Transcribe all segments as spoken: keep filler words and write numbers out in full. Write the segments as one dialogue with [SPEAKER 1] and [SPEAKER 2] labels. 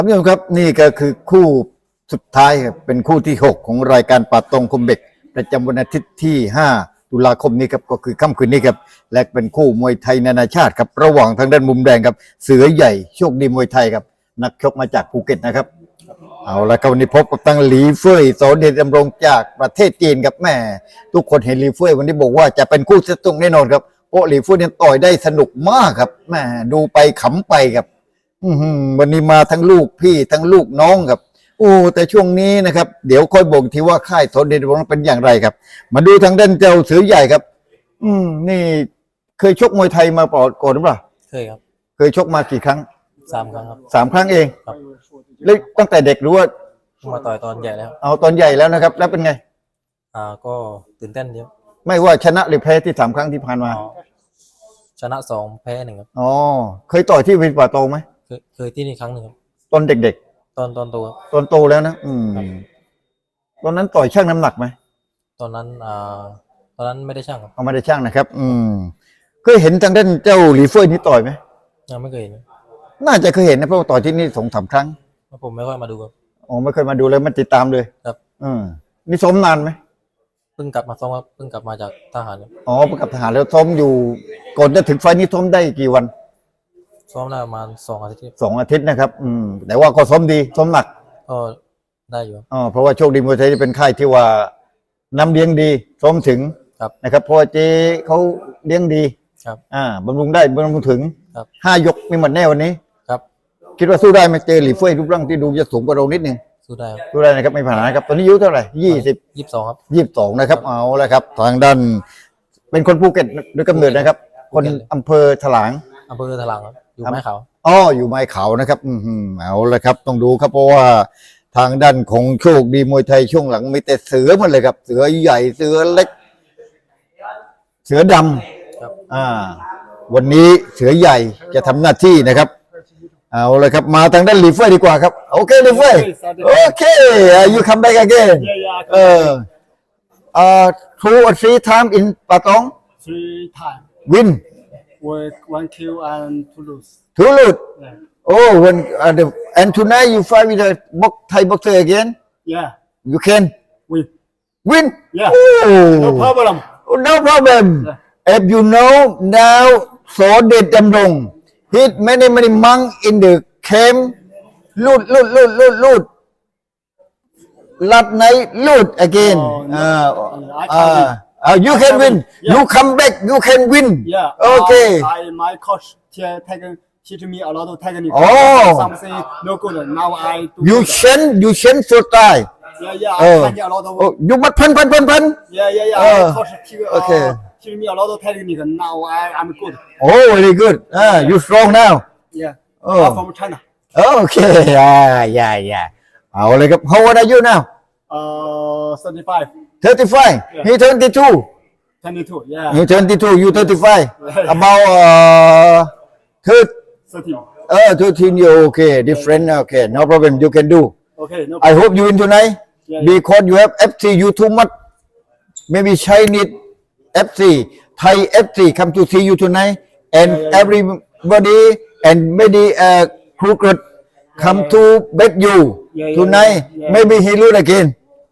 [SPEAKER 1] ท่านผู้ชมครับนี่ก็คือคู่สุดท้ายครับเป็นคู่ที่หกของรายการป่าตองคมเบกประจำวันอาทิตย์ที่ห้าตุลาคมนี้ครับก็คือค่ำคืนนี้ครับและเป็นคู่มวยไทยนานาชาติครับระหว่างทางด้านมุมแดงครับเสือใหญ่โชคดีมวยไทยครับนักชกมาจากภูเก็ตนะครับเอาละครับวันนี้พบกับตั้งหลีเฟ่ยสอนเดชดำรงจากประเทศจีนครับแม่ทุกคนเห็นหลีเฟ่ยวันนี้บอกว่าจะเป็นคู่เซตตรงแน่นอนครับเพราะหลีเฟ่ยเนี่ยต่อยได้สนุกมากครับแม่ดูไปขำไปครับวันนี้มาทั้งลูกพี่ทั้งลูกน้องครับโอ้แต่ช่วงนี้นะครับเดี๋ยวค่อยบอกทีว่าค่ายสอนเดชดำรงเป็นอย่างไรครับมาดูทางด้านเจ้าเสือใหญ่ครับ อืมนี่เคยชกมวยไทยมาก่อนหรือเปล่า
[SPEAKER 2] เคยครับ
[SPEAKER 1] เคยชกมากี่ครั้ง
[SPEAKER 2] สามครั้งครับ
[SPEAKER 1] สามครั้งเอง
[SPEAKER 2] ครับ
[SPEAKER 1] แล้วตั้งแต่เด็กหรือว่า
[SPEAKER 2] มาต่อยตอนใหญ่แล้ว
[SPEAKER 1] เอาตอนใหญ่แล้วนะครับแล้วเป็นไง
[SPEAKER 2] อ่าก็ตื่นเต้นเยอะ
[SPEAKER 1] ไม่ว่าชนะหรือแพ้ที่สามครั้งที่ผ่านมา
[SPEAKER 2] ชนะสองแพ้หนึ่งครับ
[SPEAKER 1] อ๋อเคยต่อยที่วินป่าโตไหม
[SPEAKER 2] เคยเคยที่นี่ครั้งหนึ่งครับ
[SPEAKER 1] ตอนเด็ก
[SPEAKER 2] ๆตอนตอนโตครับ
[SPEAKER 1] ตอนโตแล้วนะอืมตอนนั้นต่อยช่างน้ำหนักไหม
[SPEAKER 2] ตอนนั้นอ่าตอนนั้นไม่ได้ช่างครับ
[SPEAKER 1] เอาไม่ได้ช่างนะครับอืมเคยเห็นทางด้านเจ้าหลีเฟ่ยนี่ต่อยไหม
[SPEAKER 2] ยังไม่เคยเห็น
[SPEAKER 1] น่าจะเคยเห็นนะเพราะว่าต่อยที่นี่สองสามครั้ง
[SPEAKER 2] ผมไม่ค่อยมาดูครับ
[SPEAKER 1] อ๋อไม่เคยมาดูเลยมันติดตามเลย
[SPEAKER 2] ครับ
[SPEAKER 1] อืมนี่ซ้อมนานไหม
[SPEAKER 2] เพิ่งกลับมาซ้อมครับเพิ่งกลับมาจากทหารครับ
[SPEAKER 1] อ๋อเพิ่งกลับทหารแล้วซ้อมอยู่ก่อนจะถึงไฟนี้ซ้อมได้กี่วัน
[SPEAKER 2] ซ้อมได้ประมาณสองอาทิตย์
[SPEAKER 1] สองอาทิตย์นะครับอืมแต่ว่าก็ซ้อมดีซ้อมหนัก
[SPEAKER 2] ก็ได้อยู่
[SPEAKER 1] อ๋อเพราะว่าโชคดีมวยไทยเป็นค่ายที่ว่าน้ำเลี้ยงดีซ้อมถึงนะครับเพราะว่าเจ๊เขาเลี้ยงดี
[SPEAKER 2] ครับ
[SPEAKER 1] อ่าบำรุงได้บำรุงถึง
[SPEAKER 2] ครับ
[SPEAKER 1] ห้ายกมีหมดแน่วันนี้
[SPEAKER 2] ครับ
[SPEAKER 1] คิดว่าสู้ได้ไหมเจอหลี่เฟ่ยรูปร่างที่ดูจะสูงกว่าเรานิดนึง
[SPEAKER 2] สู้ได้
[SPEAKER 1] สู้ได้นะครับไม่ผ่านนะครับตอนนี้อายุเท่าไหร่ยี่สิบ
[SPEAKER 2] ยี่สิบสองครับ
[SPEAKER 1] ยี่สิบสองนะครับเอาละครับทางด้านเป็นคนภูเก็ตโดยกำเนิดนะครับคนอำเภอถลาง
[SPEAKER 2] อำเภอถลางครับอยู่ไม้ขาว
[SPEAKER 1] อ๋ออยู่ไม้ขาวนะครับอืมเอาละครับต้องดูครับเพราะว่าทางด้านของโชคดีมวยไทยช่วงหลังมีแต่เสือหมดเลยครับเสือใหญ่เสือเล็กเสือดำอ่าวันนี้เสือใหญ่จะทำหน้าที่นะครับเอาเลยครับมาทางด้านหลีเฟ่ยดีกว่าครับโอเคหลีเฟ่ยโอเค you come back again เออเอ่อ two or three time in Patong
[SPEAKER 3] three time
[SPEAKER 1] win
[SPEAKER 3] with one kill and two lose
[SPEAKER 1] two lose oh when uh, the and tonight you fight with a box Thai boxer again
[SPEAKER 3] yeah
[SPEAKER 1] you can
[SPEAKER 3] win
[SPEAKER 1] win
[SPEAKER 3] yeah
[SPEAKER 1] oh
[SPEAKER 3] no problem
[SPEAKER 1] no problem if you know now สอนเดชดำรง hit many many monk in the camp ลูดลูดลูดลูดลูดlast night loot again
[SPEAKER 3] oh, no.
[SPEAKER 1] uh, uh, uh, you can win yeah. you come back you can win
[SPEAKER 3] yeah
[SPEAKER 1] okay
[SPEAKER 3] uh, I, my coach taken teach me a lot of technique
[SPEAKER 1] oh
[SPEAKER 3] something no good now I do
[SPEAKER 1] you change you change your style
[SPEAKER 3] yeah yeah
[SPEAKER 1] oh.
[SPEAKER 3] I find a lot of
[SPEAKER 1] oh, you must พันพันพันพัน
[SPEAKER 3] yeah yeah yeah
[SPEAKER 1] uh,
[SPEAKER 3] my coach teach uh,
[SPEAKER 1] okay
[SPEAKER 3] teach me a lot of technique now I I'm good
[SPEAKER 1] oh very good ah you strong now
[SPEAKER 3] yeah
[SPEAKER 1] oh
[SPEAKER 3] I'm from China
[SPEAKER 1] okay yeah yeah yeah เอาเลยครับ how old are you now
[SPEAKER 3] uh thirty-five
[SPEAKER 1] thirty-five
[SPEAKER 3] yeah.
[SPEAKER 1] he twenty-two
[SPEAKER 3] twenty-two yeah
[SPEAKER 1] he twenty-two you thirty-five about uh
[SPEAKER 3] thirteen
[SPEAKER 1] uh thirteen you okay different okay no problem you can do
[SPEAKER 3] okay no
[SPEAKER 1] problem. I hope you win tonight
[SPEAKER 3] yeah,
[SPEAKER 1] because you have F C you too much maybe Chinese F C Thai F C come to see you tonight and
[SPEAKER 3] yeah, yeah,
[SPEAKER 1] everybody and maybe uh crooked come
[SPEAKER 3] yeah,
[SPEAKER 1] to bet you
[SPEAKER 3] yeah, yeah,
[SPEAKER 1] tonight
[SPEAKER 3] yeah, yeah.
[SPEAKER 1] maybe he lose again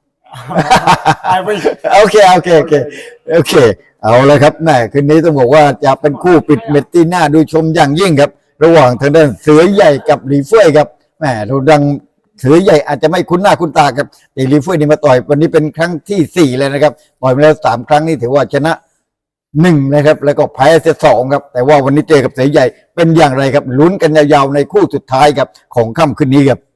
[SPEAKER 3] I win
[SPEAKER 1] โอเคโอเคโอเคโอเคเอาเลยครับแม่คืนนี้ต้องบอกว่าจะเป็นคู่ปิดเม็ดที่น่าดูชมอย่างยิ่งครับระหว่างทางด้านเสือใหญ่กับหลีเฟ่ยครับแม่เราดังเสือใหญ่อาจจะไม่คุ้นหน้าคุ้นตาครับแต่หลีเฟ่ยนี่มาต่อยวันนี้เป็นครั้งที่สี่เลยนะครับต่อยมาแล้วสามครั้งนี่ถือว่าชนะหนึ่งนะครับแล้วก็แพ้เสียสองครับแต่ว่าวันนี้เจอกับเสือใหญ่เป็นอย่างไรครับลุ้นกันยาวๆในคู่สุดท้ายครับของค่ำคืนนี้ครับ